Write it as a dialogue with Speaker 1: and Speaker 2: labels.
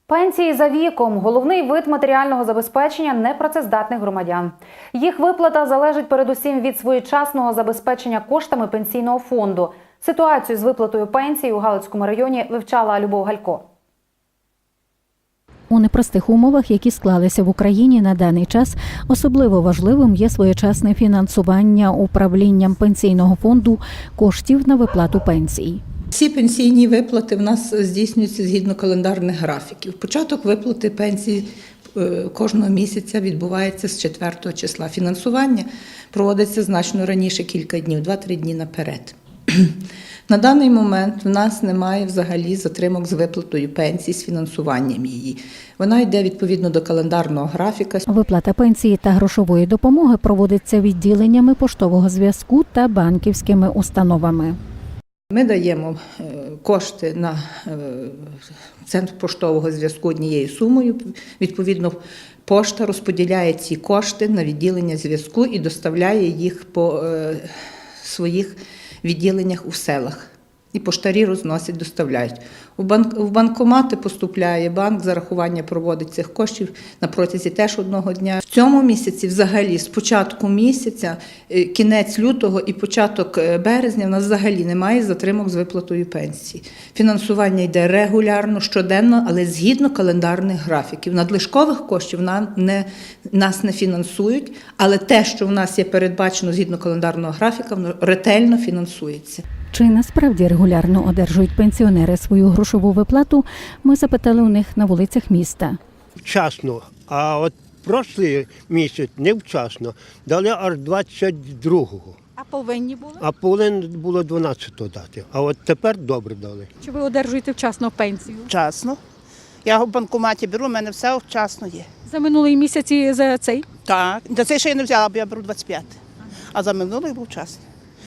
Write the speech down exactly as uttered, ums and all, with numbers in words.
Speaker 1: Пенсії за віком – головний вид матеріального забезпечення непрацездатних громадян. Їх виплата залежить передусім від своєчасного забезпечення коштами пенсійного фонду. Ситуацію з виплатою пенсії у Галицькому районі вивчала Любов Галько.
Speaker 2: У непростих умовах, які склалися в Україні на даний час, особливо важливим є своєчасне фінансування управлінням пенсійного фонду коштів на виплату пенсій.
Speaker 3: Всі пенсійні виплати в нас здійснюються згідно календарних графіків. Початок виплати пенсії кожного місяця відбувається з четвертого числа. Фінансування проводиться значно раніше, кілька днів, два-три дні наперед. На даний момент в нас немає взагалі затримок з виплатою пенсії, з фінансуванням її. Вона йде відповідно до календарного графіка.
Speaker 2: Виплата пенсії та грошової допомоги проводиться відділеннями поштового зв'язку та банківськими установами.
Speaker 3: Ми даємо кошти на центр поштового зв'язку однією сумою. Відповідно, пошта розподіляє ці кошти на відділення зв'язку і доставляє їх по своїх відділеннях у селах. І поштарі розносять, доставляють. У банк, в банкомати поступляє банк, зарахування проводить цих коштів на протязі теж одного дня. В цьому місяці взагалі з початку місяця, кінець лютого і початок березня в нас взагалі немає затримок з виплатою пенсії. Фінансування йде регулярно, щоденно, але згідно календарних графіків. Надлишкових коштів нам не, нас не фінансують, але те, що в нас є передбачено згідно календарного графіка, воно ретельно фінансується.
Speaker 2: Чи насправді регулярно одержують пенсіонери свою грошову виплату, ми запитали у них на вулицях міста.
Speaker 4: Вчасно, а от прошлий місяць невчасно, дали аж двадцять другого.
Speaker 5: А повинні були?
Speaker 4: А повинно було дванадцятого дати, а от тепер добре дали.
Speaker 5: Чи ви одержуєте вчасно пенсію?
Speaker 6: Вчасно. Я в банкоматі беру, у мене все вчасно є.
Speaker 5: За минулий місяць і за цей?
Speaker 6: Так, за цей ще я не взяла, бо я беру двадцять п'яте. А за минулий був вчасно.